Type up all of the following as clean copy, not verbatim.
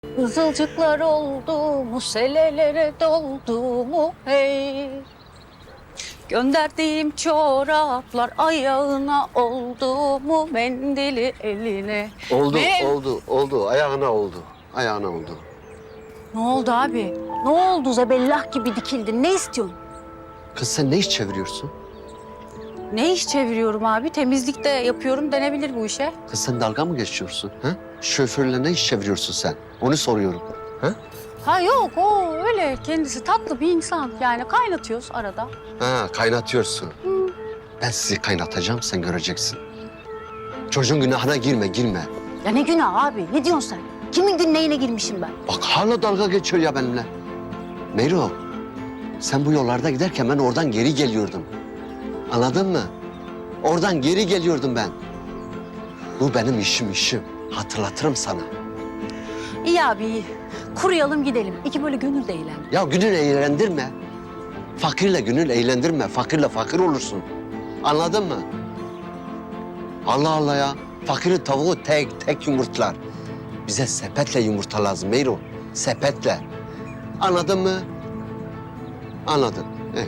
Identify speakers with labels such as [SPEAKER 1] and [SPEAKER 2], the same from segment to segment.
[SPEAKER 1] Kızılcıklar oldu mu, selelere doldu mu hey? Gönderdiğim çoraplar ayağına oldu mu, mendili eline?
[SPEAKER 2] Oldu,
[SPEAKER 1] Ve-
[SPEAKER 2] oldu. Ayağına oldu. Ayağına oldu.
[SPEAKER 1] Ne oldu abi? Ne oldu? Zebellah gibi dikildin. Ne istiyorsun?
[SPEAKER 2] Kız sen ne iş çeviriyorsun?
[SPEAKER 1] Ne iş çeviriyorum abi? Temizlik de yapıyorum denebilir bu işe.
[SPEAKER 2] Kız sen dalga mı geçiyorsun? Ha? Şoförle ne iş çeviriyorsun sen? Onu soruyorum. Ha?
[SPEAKER 1] Ha yok, o öyle kendisi tatlı bir insan. Yani kaynatıyoruz arada.
[SPEAKER 2] Ha, kaynatıyorsun. Ben sizi kaynatacağım, sen göreceksin. Çocuğun günahına girme.
[SPEAKER 1] Ya ne günah abi? Ne diyorsun sen? Kimin günahına girmişim ben?
[SPEAKER 2] Bak hala dalga geçiyor ya benimle. Meyro, sen bu yollarda giderken ben oradan geri geliyordum. Anladın mı? Oradan geri geliyordum ben. Bu benim işim. Hatırlatırım sana.
[SPEAKER 1] İyi abi iyi. Kuruyalım gidelim. İki böyle gönül de eğlen.
[SPEAKER 2] Ya gönül eğlendirme. Fakirle gönül eğlendirme. Fakirle fakir olursun. Anladın mı? Allah Allah ya. Fakirin tavuğu tek yumurtlar. Bize sepetle yumurta lazım Meyro. Sepetle. Anladın mı? Anladın.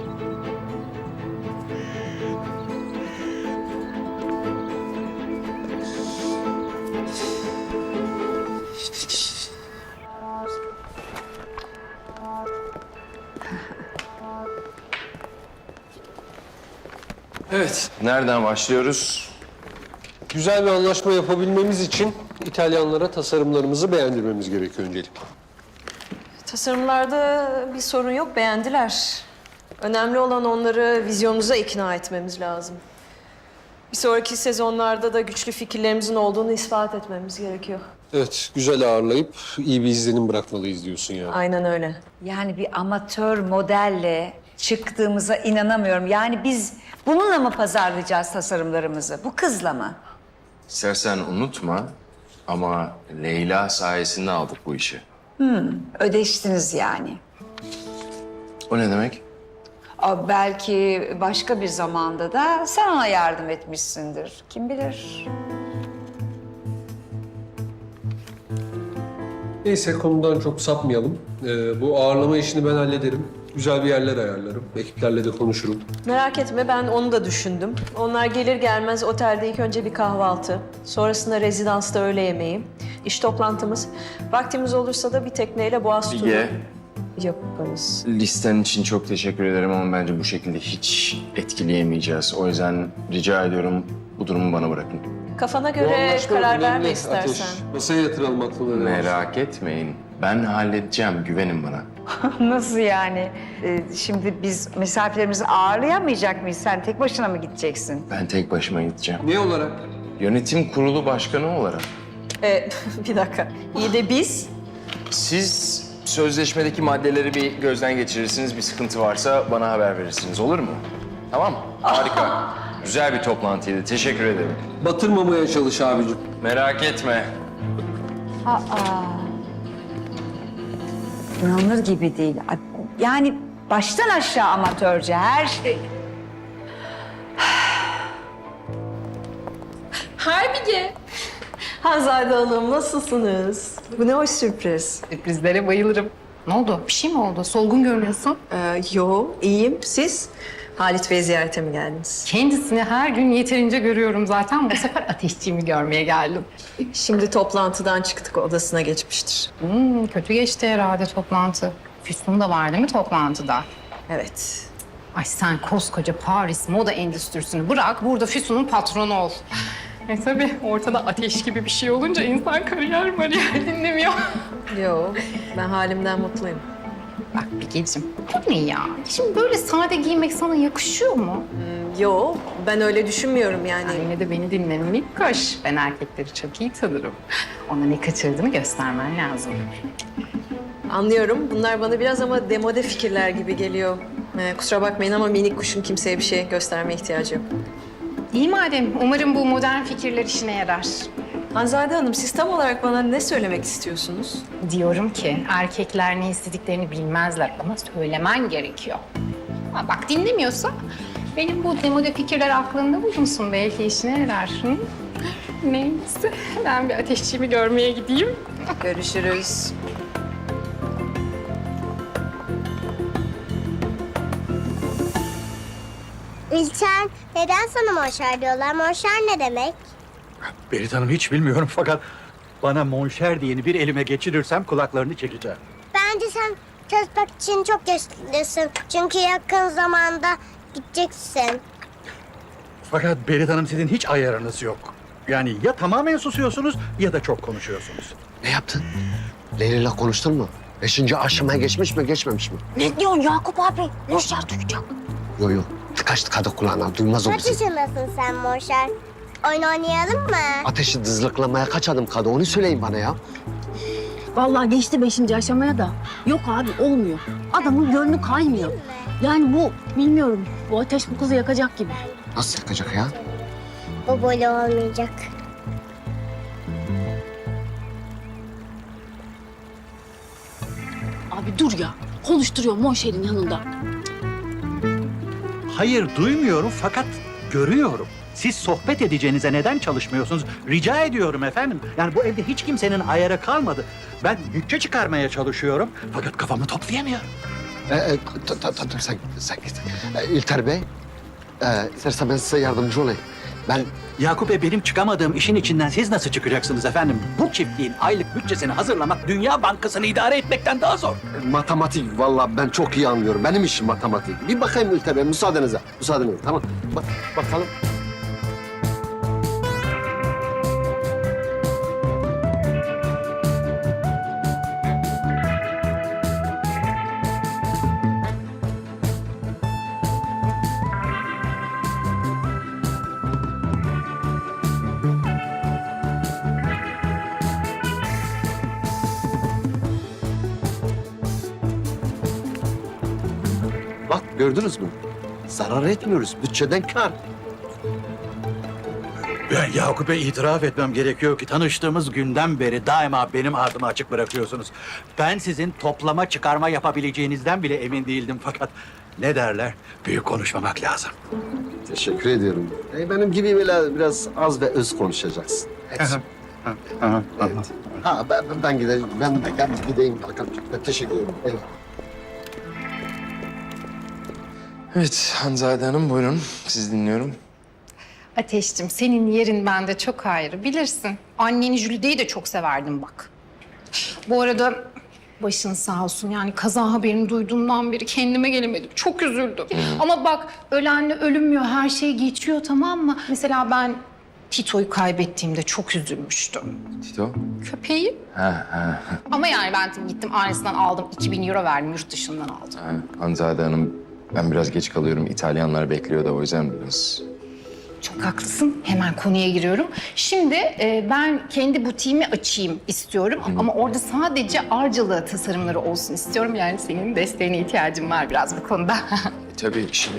[SPEAKER 3] Evet, nereden başlıyoruz?
[SPEAKER 4] Güzel bir anlaşma yapabilmemiz için İtalyanlara tasarımlarımızı beğendirmemiz gerekiyor öncelikle.
[SPEAKER 5] Tasarımlarda bir sorun yok, beğendiler. Önemli olan onları vizyonumuza ikna etmemiz lazım. Bir sonraki sezonlarda da güçlü fikirlerimizin olduğunu ispat etmemiz gerekiyor.
[SPEAKER 4] Evet, güzel ağırlayıp iyi bir izlenim bırakmalıyız diyorsun yani.
[SPEAKER 5] Aynen öyle.
[SPEAKER 6] Yani bir amatör modelle çıktığımıza inanamıyorum. Yani biz bununla mı pazarlayacağız tasarımlarımızı? Bu kızla mı?
[SPEAKER 3] İstersen unutma ama Leyla sayesinde aldık bu işi.
[SPEAKER 6] Ödeştiniz yani.
[SPEAKER 3] O ne demek?
[SPEAKER 6] Belki başka bir zamanda da sen ona yardım etmişsindir. Kim bilir?
[SPEAKER 4] Neyse konudan çok sapmayalım. Bu ağırlama işini ben hallederim. Güzel bir yerler ayarlarım. Ekiplerle de konuşurum.
[SPEAKER 5] Merak etme, ben onu da düşündüm. Onlar gelir gelmez otelde ilk önce bir kahvaltı. Sonrasında rezidansta öğle yemeği. İş toplantımız. Vaktimiz olursa da bir tekneyle Boğaz turu
[SPEAKER 3] Bilge,
[SPEAKER 5] yaparız.
[SPEAKER 3] listen için çok teşekkür ederim ama bence bu şekilde hiç etkileyemeyeceğiz. O yüzden rica ediyorum bu durumu bana bırakın.
[SPEAKER 5] Kafana
[SPEAKER 4] Bu
[SPEAKER 5] göre
[SPEAKER 4] anlaşma
[SPEAKER 5] karar
[SPEAKER 4] önemli,
[SPEAKER 5] verme
[SPEAKER 4] Ateş.
[SPEAKER 5] istersen.
[SPEAKER 4] Masaya yatıralım aklıları.
[SPEAKER 3] Merak etmeyin. Ben halledeceğim, güvenin bana.
[SPEAKER 6] Nasıl yani? Şimdi biz misafirlerimizi ağırlayamayacak mıyız? Sen tek başına mı gideceksin?
[SPEAKER 3] Ben tek başıma gideceğim.
[SPEAKER 4] Ne olarak?
[SPEAKER 3] Yönetim kurulu başkanı olarak.
[SPEAKER 5] Bir dakika. İyi de biz?
[SPEAKER 3] Siz sözleşmedeki maddeleri bir gözden geçirirsiniz. Bir sıkıntı varsa bana haber verirsiniz. Olur mu? Tamam. Harika. Güzel bir toplantıydı. Teşekkür ederim.
[SPEAKER 4] Batırmamaya çalış abicim.
[SPEAKER 3] Merak etme.
[SPEAKER 6] İnanılır gibi değil. Yani baştan aşağı amatörce her şey.
[SPEAKER 5] Harbige. Hanzade Hanım, nasılsınız? Bu ne hoş sürpriz.
[SPEAKER 7] Sürprizlere bayılırım. Ne oldu? Bir şey mi oldu? Solgun görünüyorsun.
[SPEAKER 5] Yo, iyiyim. Siz? Halit Bey ziyarete mi geldiniz?
[SPEAKER 7] Kendisini her gün yeterince görüyorum zaten. Bu sefer ateşçiğimi görmeye geldim.
[SPEAKER 5] Şimdi toplantıdan çıktık, odasına geçmiştir.
[SPEAKER 7] Kötü geçti herhalde toplantı. Füsun da var değil mi toplantıda?
[SPEAKER 5] Evet.
[SPEAKER 7] Ay sen koskoca Paris moda endüstrisini bırak, burada Füsun'un patronu ol. Tabii ortada ateş gibi bir şey olunca insan kariyer dinlemiyor.
[SPEAKER 5] Yo, ben halimden mutluyum.
[SPEAKER 7] Bak Bilgeciğim, bu ne ya? Şimdi böyle sade giymek sana yakışıyor mu?
[SPEAKER 5] Yo, ben öyle düşünmüyorum yani.
[SPEAKER 7] Yine de beni dinle minik koş. Ben erkekleri çok iyi tanırım. Ona ne kaçırdığını göstermen lazım.
[SPEAKER 5] Anlıyorum. Bunlar bana biraz ama demode fikirler gibi geliyor. Kusura bakmayın ama minik kuşun kimseye bir şey göstermeye ihtiyacı yok.
[SPEAKER 7] İyi madem. Umarım bu modern fikirler işine yarar.
[SPEAKER 5] Hanzade Hanım, siz tam olarak bana ne söylemek istiyorsunuz?
[SPEAKER 7] Diyorum ki erkekler ne istediklerini bilmezler ama söylemen gerekiyor. Ha, bak dinlemiyorsa benim bu demode fikirler aklında bulunsun. Belki işine yarar. Hı? Neyse ben bir ateşçiğimi görmeye gideyim.
[SPEAKER 5] Görüşürüz.
[SPEAKER 8] İlçen, neden sana monşer diyorlar? Monşer ne demek?
[SPEAKER 9] Berit Hanım hiç bilmiyorum fakat bana monşer diyeni bir elime geçirirsem kulaklarını çekeceğim.
[SPEAKER 8] Bence sen çalışmak için çok yaşlısın. Çünkü yakın zamanda gideceksin.
[SPEAKER 9] Fakat Berit Hanım sizin hiç ayarınız yok. Yani ya tamamen susuyorsunuz ya da çok konuşuyorsunuz.
[SPEAKER 2] Ne yaptın? Leyla'yla konuştun mu? 5. aşamaya geçmiş mi, geçmemiş mi?
[SPEAKER 1] Ne diyorsun Yakup abi? Monşer duyacak.
[SPEAKER 2] Yok yok. Tıkaç tıkadı kulağına. Duymaz o
[SPEAKER 8] Kaç
[SPEAKER 2] bizi.
[SPEAKER 8] yaşındasın sen monşer? Oyun oynayalım mı?
[SPEAKER 2] Ateşi dızlıklamaya kaç adım kaldı? Onu söyleyin bana ya.
[SPEAKER 1] Vallahi geçti 5. aşamaya da. Yok abi olmuyor. Adamın gönlü kaymıyor. Yani bu bilmiyorum. Bu ateş bu kızı yakacak gibi.
[SPEAKER 2] Nasıl yakacak ya?
[SPEAKER 8] Bu böyle olmayacak.
[SPEAKER 1] Abi dur ya. Konuşturuyor Monşer'in yanında.
[SPEAKER 9] Hayır duymuyorum fakat görüyorum. Siz sohbet edeceğinize neden çalışmıyorsunuz? Rica ediyorum efendim. Yani bu evde hiç kimsenin ayarı kalmadı. Ben bütçe çıkarmaya çalışıyorum fakat kafamı toplayamıyorum.
[SPEAKER 2] Dur sen git. İlter Bey, istersen ben size yardımcı olayım. Ben
[SPEAKER 9] Yakup Bey benim çıkamadığım işin içinden siz nasıl çıkacaksınız efendim? Bu çiftliğin aylık bütçesini hazırlamak Dünya Bankası'nı idare etmekten daha zor.
[SPEAKER 2] matematik vallahi ben çok iyi anlıyorum. Benim işim matematik. Bir bakayım İlter Bey, müsaadenizle. Müsaadenizle, tamam. Bakalım. Bak gördünüz mü? Zarar etmiyoruz. Bütçeden kar.
[SPEAKER 9] Ben Yakup Bey itiraf etmem gerekiyor ki tanıştığımız günden beri daima benim ardımı açık bırakıyorsunuz. Ben sizin toplama çıkarma yapabileceğinizden bile emin değildim fakat ne derler? Büyük konuşmamak lazım.
[SPEAKER 2] Teşekkür ediyorum. Benim gibi böyle biraz az ve öz konuşacaksın. Evet. Evet. Ha ben gideyim. Ben gideyim bakalım. Teşekkür ederim. Eyvallah.
[SPEAKER 3] Evet Hanzade Hanım buyurun. Sizi dinliyorum.
[SPEAKER 7] Ateşciğim senin yerin bende çok ayrı bilirsin. Anneni Jülide'yi de çok severdim bak. Bu arada başın sağ olsun yani kaza haberini duyduğumdan beri kendime gelemedim. Çok üzüldüm. Ama bak ölenle ölünmüyor her şey geçiyor tamam mı? Mesela ben Tito'yu kaybettiğimde çok üzülmüştüm.
[SPEAKER 3] Tito.
[SPEAKER 7] Köpeği. Ama yani ben gittim ailesinden aldım. 2000 euro verdim yurt dışından aldım.
[SPEAKER 3] Hanzade Hanım ben biraz geç kalıyorum. İtalyanlar bekliyor da o yüzden biraz...
[SPEAKER 7] Çok haklısın. Hemen konuya giriyorum. Şimdi ben kendi butiğimi açayım istiyorum. Ama orada sadece Arcalı tasarımları olsun istiyorum. Yani senin desteğine ihtiyacım var biraz bu konuda.
[SPEAKER 3] Tabii şimdi...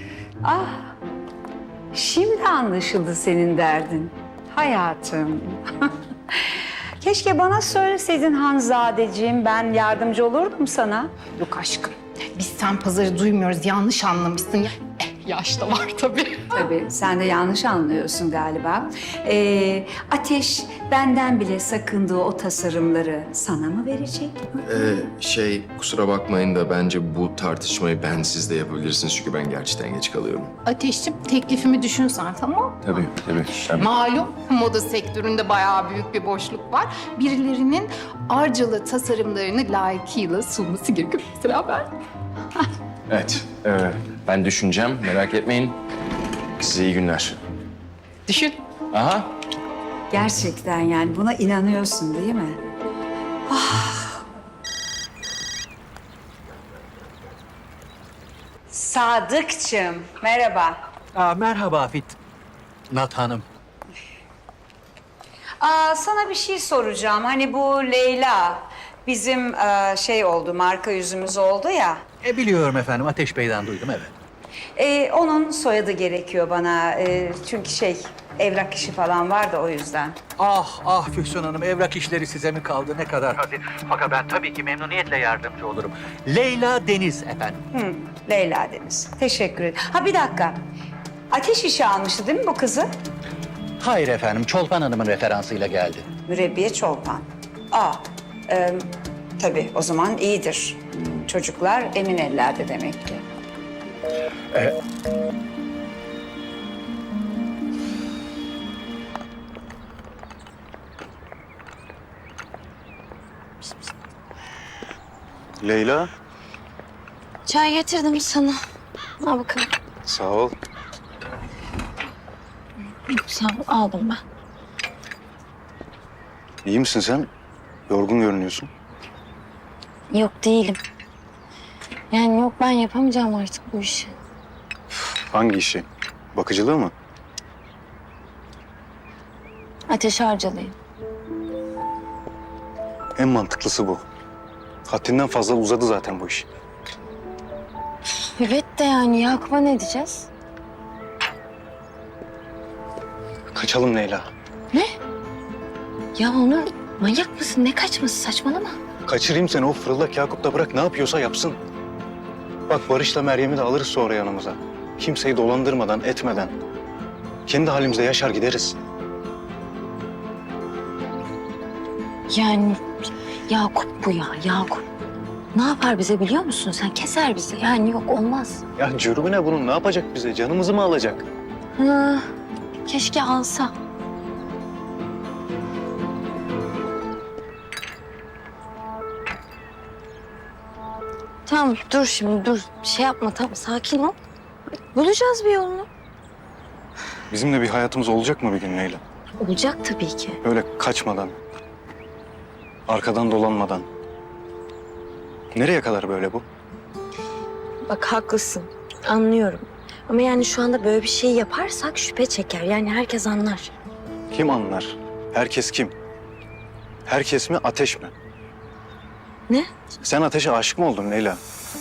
[SPEAKER 6] Şimdi anlaşıldı senin derdin. Hayatım. Keşke bana söyleseydin Hanzadeciğim. Ben yardımcı olurdum sana.
[SPEAKER 7] Yok aşkım. Biz sen pazarı duymuyoruz. Yanlış anlamışsın. Yaş da var tabii.
[SPEAKER 6] Tabii sen de yanlış anlıyorsun galiba. Ateş benden bile sakındığı o tasarımları sana mı verecek?
[SPEAKER 3] Kusura bakmayın da bence bu tartışmayı ben siz de yapabilirsiniz. Çünkü ben gerçekten geç kalıyorum.
[SPEAKER 7] Ateşciğim teklifimi düşünsen tamam mı?
[SPEAKER 3] Tabii.
[SPEAKER 7] Malum moda sektöründe bayağı büyük bir boşluk var. Birilerinin Arcalı tasarımlarını layıkıyla sunması gerekiyor. Mesela ben.
[SPEAKER 3] Evet. Ben düşüneceğim. Merak etmeyin. Size iyi günler.
[SPEAKER 7] Düşün.
[SPEAKER 3] Aha.
[SPEAKER 6] Gerçekten yani buna inanıyorsun değil mi? Sadıkçım, merhaba.
[SPEAKER 9] Merhaba Fitnat Hanım.
[SPEAKER 6] Sana bir şey soracağım. Hani bu Leyla bizim oldu, marka yüzümüz oldu ya.
[SPEAKER 9] Biliyorum efendim Ateş Bey'den duydum evet.
[SPEAKER 6] Onun soyadı gerekiyor bana. Çünkü evrak işi falan var da o yüzden.
[SPEAKER 9] Ah Füsun Hanım evrak işleri size mi kaldı ne kadar hafif. Fakat ben tabii ki memnuniyetle yardımcı olurum. Leyla Deniz efendim.
[SPEAKER 6] Leyla Deniz. Teşekkür ederim. Bir dakika. Ateş işi almıştı değil mi bu kızı?
[SPEAKER 9] Hayır efendim Çolpan Hanım'ın referansıyla geldi.
[SPEAKER 6] Mürebbiye Çolpan. Tabii o zaman iyidir. Çocuklar emin ellerde demek ki.
[SPEAKER 10] Leyla.
[SPEAKER 1] Çay getirdim sana. Al bakalım.
[SPEAKER 10] Sağ ol.
[SPEAKER 1] Sağ ol, aldım ben.
[SPEAKER 10] İyi misin sen? Yorgun görünüyorsun.
[SPEAKER 1] Yok değilim. Yani yok, ben yapamayacağım artık bu işi.
[SPEAKER 10] Hangi işi? Bakıcılığı mı?
[SPEAKER 1] Ateş harcalıyım.
[SPEAKER 10] En mantıklısı bu. Haddinden fazla uzadı zaten bu iş.
[SPEAKER 1] Evet de yani Yakup'a ne diyeceğiz?
[SPEAKER 10] Kaçalım Leyla.
[SPEAKER 1] Ya Onur, manyak mısın? Ne kaçması, saçmalama.
[SPEAKER 10] Kaçırayım seni, o fırıldak Yakup da bırak ne yapıyorsa yapsın. Bak Barış'la Meryem'i de alırız sonra yanımıza. Kimseyi dolandırmadan, etmeden. Kendi halimizde yaşar gideriz.
[SPEAKER 1] Yani Yakup bu ya, Yakup. Ne yapar bize biliyor musun? Sen keser bizi. Yani yok, olmaz.
[SPEAKER 10] Ya cürmü ne bunun? Ne yapacak bize? Canımızı mı alacak?
[SPEAKER 1] Hı, keşke alsa. Tamam, dur şimdi, dur. Şey yapma, tamam, sakin ol. Bulacağız bir yolunu.
[SPEAKER 10] Bizim de bir hayatımız olacak mı bir gün Leyla?
[SPEAKER 1] Olacak tabii ki.
[SPEAKER 10] Öyle kaçmadan, arkadan dolanmadan. Nereye kadar böyle bu?
[SPEAKER 1] Bak haklısın, anlıyorum. Ama yani şu anda böyle bir şey yaparsak şüphe çeker. Yani herkes anlar.
[SPEAKER 10] Kim anlar? Herkes kim? Herkes mi, ateş mi?
[SPEAKER 1] Ne?
[SPEAKER 10] Sen ateşe aşık mı oldun Leyla?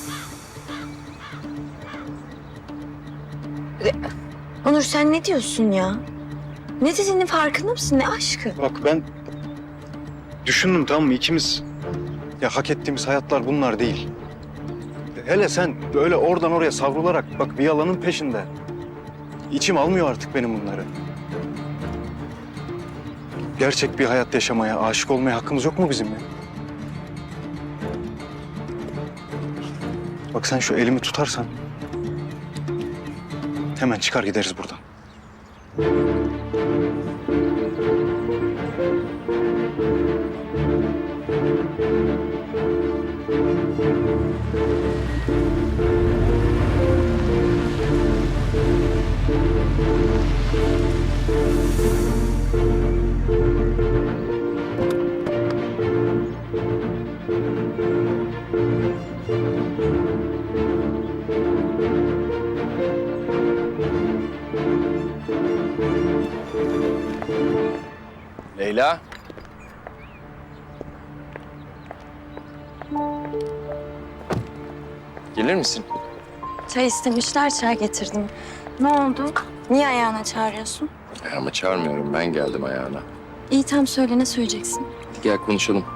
[SPEAKER 1] Onur sen ne diyorsun ya? Ne dediğinin farkında mısın? Ne aşkı?
[SPEAKER 10] Bak ben düşündüm, tamam mı, ikimiz ya hak ettiğimiz hayatlar bunlar değil. Hele sen böyle oradan oraya savrularak bak bir yalanın peşinde. İçim almıyor artık benim bunları. Gerçek bir hayat yaşamaya, aşık olmaya hakkımız yok mu bizim ya? Bak sen şu elimi tutarsan hemen çıkar gideriz buradan.
[SPEAKER 3] Leyla. Gelir misin?
[SPEAKER 1] Çay istemişler, çay getirdim. Ne oldu? Niye ayağına çağırıyorsun?
[SPEAKER 3] Ama çağırmıyorum. Ben geldim ayağına.
[SPEAKER 1] İyi tam söyle, ne söyleyeceksin?
[SPEAKER 3] Gel konuşalım.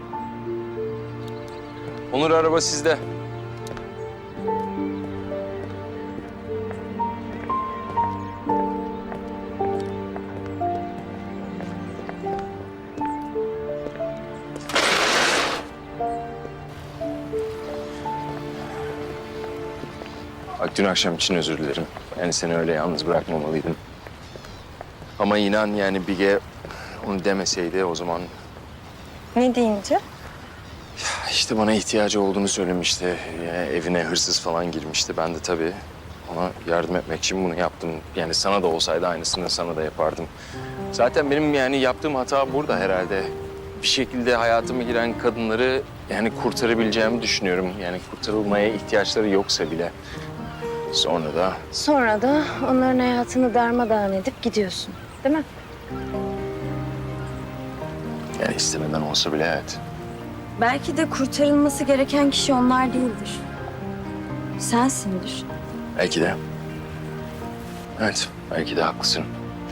[SPEAKER 3] Onur araba sizde. Bak dün akşam için özür dilerim. Yani seni öyle yalnız bırakmamalıydım. Ama inan yani Bige onu demeseydi o zaman
[SPEAKER 1] Ne deyince?
[SPEAKER 3] İşte bana ihtiyacı olduğunu söylemişti. Yani evine hırsız falan girmişti. Ben de tabii ona yardım etmek için bunu yaptım. Yani sana da olsaydı aynısını sana da yapardım. Zaten benim yani yaptığım hata burada herhalde. Bir şekilde hayatıma giren kadınları yani kurtarabileceğimi düşünüyorum. Yani kurtarılmaya ihtiyaçları yoksa bile.
[SPEAKER 1] Sonra da onların hayatını darmadağın edip gidiyorsun, değil mi?
[SPEAKER 3] Yani istemeden olsa bile evet.
[SPEAKER 1] Belki de kurtarılması gereken kişi onlar değildir. Sensindir.
[SPEAKER 3] Belki de. Evet, belki de haklısın.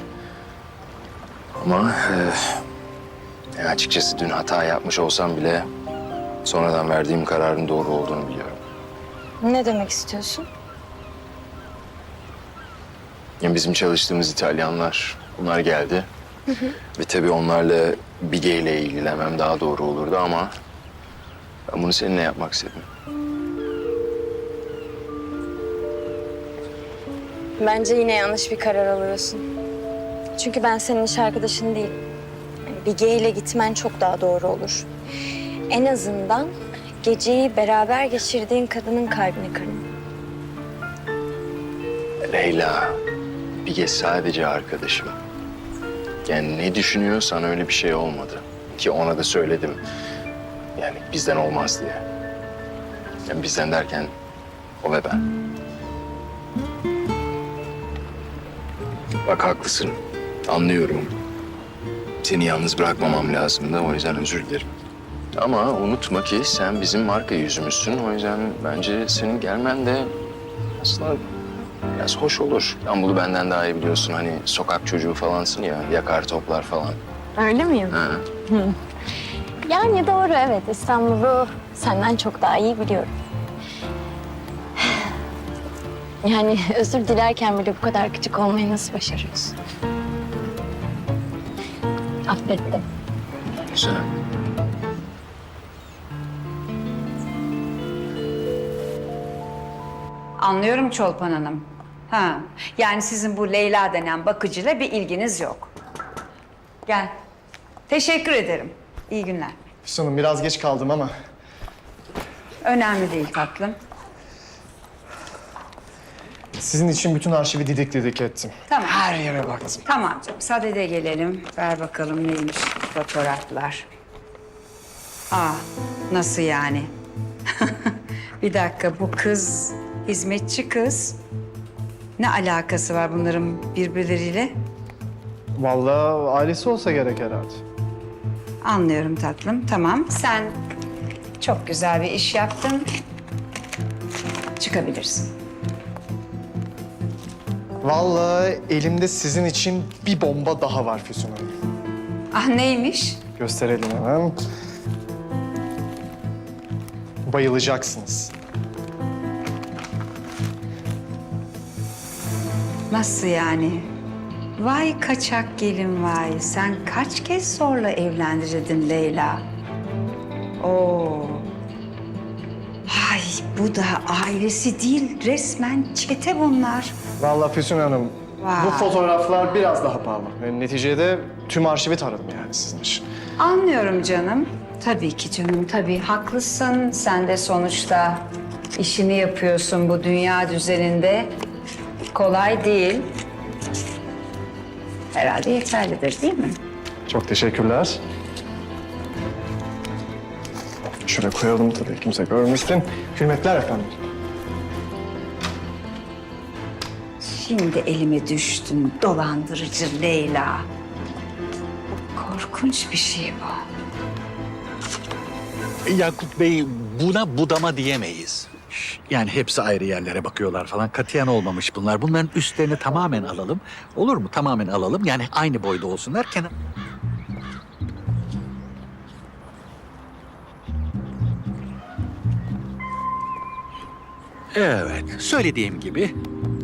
[SPEAKER 3] Ama açıkçası dün hata yapmış olsam bile sonradan verdiğim kararın doğru olduğunu biliyorum.
[SPEAKER 1] Ne demek istiyorsun?
[SPEAKER 3] Yani bizim çalıştığımız İtalyanlar, bunlar geldi. Ve tabii onlarla Bige ile ilgilenmem daha doğru olurdu ama ben bunu seninle yapmak istedim.
[SPEAKER 1] Bence yine yanlış bir karar alıyorsun. Çünkü ben senin iş arkadaşın değilim. Yani Bige ile gitmen çok daha doğru olur.
[SPEAKER 11] En azından geceyi beraber geçirdiğin kadının kalbini kırma.
[SPEAKER 3] Leyla, Bige sadece arkadaşım. Yani ne düşünüyorsan öyle bir şey olmadı. Ki ona da söyledim. Yani bizden olmaz diye. Yani bizden derken o ve ben. Bak haklısın. Anlıyorum. Seni yalnız bırakmamam lazım da o yüzden özür dilerim. Ama unutma ki sen bizim marka yüzümüzsün. O yüzden bence senin gelmen de aslında biraz hoş olur. İstanbul'u benden daha iyi biliyorsun. Hani sokak çocuğu falansın ya, yakar toplar falan.
[SPEAKER 11] Öyle miyim?
[SPEAKER 3] Ha.
[SPEAKER 11] Yani doğru, evet. İstanbul'u senden çok daha iyi biliyorum. Yani özür dilerken bile bu kadar küçük olmayı nasıl başarıyorsun? Affettim.
[SPEAKER 3] Güzel.
[SPEAKER 6] Anlıyorum Çolpan Hanım. Ha, yani sizin bu Leyla denen bakıcıyla bir ilginiz yok. Gel. Teşekkür ederim. İyi günler.
[SPEAKER 12] Füsun Hanım biraz geç kaldım ama
[SPEAKER 6] Önemli değil tatlım.
[SPEAKER 12] sizin için bütün arşivi didik ettim.
[SPEAKER 6] Tamam.
[SPEAKER 12] Her yere baktım.
[SPEAKER 6] Tamam canım. Sadede gelelim. Ver bakalım neymiş fotoğraflar. Aa, nasıl yani? Bir dakika, bu kız hizmetçi kız. Ne alakası var bunların birbirleriyle?
[SPEAKER 12] Vallahi ailesi olsa gerek herhalde.
[SPEAKER 6] Anlıyorum tatlım. Tamam. Sen çok güzel bir iş yaptın. Çıkabilirsin.
[SPEAKER 12] Vallahi elimde sizin için bir bomba daha var Füsun Hanım.
[SPEAKER 6] Ah, neymiş?
[SPEAKER 12] Gösterelim hemen. Bayılacaksınız.
[SPEAKER 6] Nasıl yani? Vay kaçak gelin vay. Sen kaç kez zorla evlendirdin Leyla? Oo. Ay, bu da ailesi değil, resmen çete bunlar.
[SPEAKER 12] Vallahi Füsun Hanım,
[SPEAKER 6] Vay.
[SPEAKER 12] bu fotoğraflar biraz daha pahalı. Yani neticede tüm arşivi taradım yani sizin için.
[SPEAKER 6] Anlıyorum canım. Tabii ki canım, tabii. Haklısın. Sen de sonuçta işini yapıyorsun bu dünya düzeninde. Kolay değil. Herhalde yeterlidir, değil mi?
[SPEAKER 12] Çok teşekkürler. Şuraya koyalım tabii kimse görmesin. Hürmetler efendim.
[SPEAKER 6] Şimdi elime düştün dolandırıcı Leyla. Korkunç bir şey bu.
[SPEAKER 9] Yakup Bey, buna budama diyemeyiz. Yani hepsi ayrı yerlere bakıyorlar falan. Katiyen olmamış bunlar. Bunların üstlerini tamamen alalım. Olur mu? Tamamen alalım. Yani aynı boyda olsunlar. Evet, söylediğim gibi.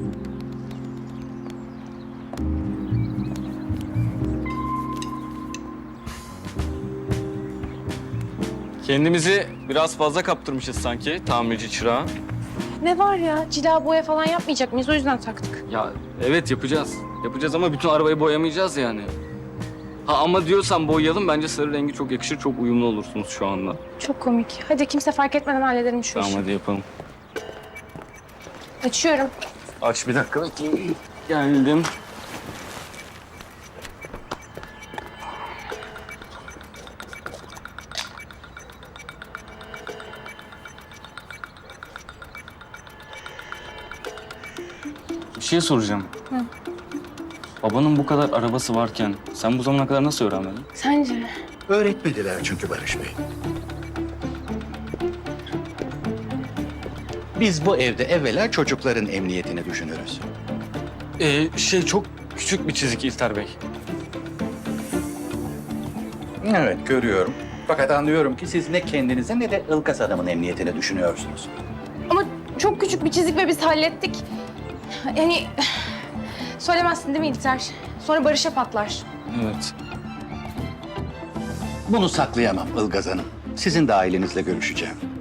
[SPEAKER 13] Kendimizi biraz fazla kaptırmışız sanki tamirci çırağı.
[SPEAKER 7] Ne var ya? Cila boya falan yapmayacak mıyız? O yüzden taktık.
[SPEAKER 13] Ya evet yapacağız. Yapacağız ama bütün arabayı boyamayacağız yani. Ha ama diyorsan boyayalım, bence sarı rengi çok yakışır, çok uyumlu olursunuz şu anda.
[SPEAKER 7] Çok komik. Hadi kimse fark etmeden halledelim şu
[SPEAKER 13] Tamam
[SPEAKER 7] işi.
[SPEAKER 13] hadi yapalım.
[SPEAKER 7] Açıyorum.
[SPEAKER 13] Aç bir dakika bekleyin. Geldim. Bir şey soracağım. Babanın bu kadar arabası varken sen bu zamana kadar nasıl öğrenmedin?
[SPEAKER 7] Sence?
[SPEAKER 9] Öğretmediler çünkü Barış Bey. Biz bu evde evvela çocukların emniyetini düşünürüz.
[SPEAKER 13] Çok küçük bir çizik İlter Bey.
[SPEAKER 9] Evet, görüyorum. Fakat anlıyorum ki siz ne kendinize ne de Ilgaz adamın emniyetini düşünüyorsunuz.
[SPEAKER 7] Ama çok küçük bir çizik ve biz hallettik. Yani söylemezsin değil mi İlter? Sonra Barış'a patlar.
[SPEAKER 13] Evet.
[SPEAKER 9] Bunu saklayamam Ilgaz Hanım. Sizin de ailenizle görüşeceğim.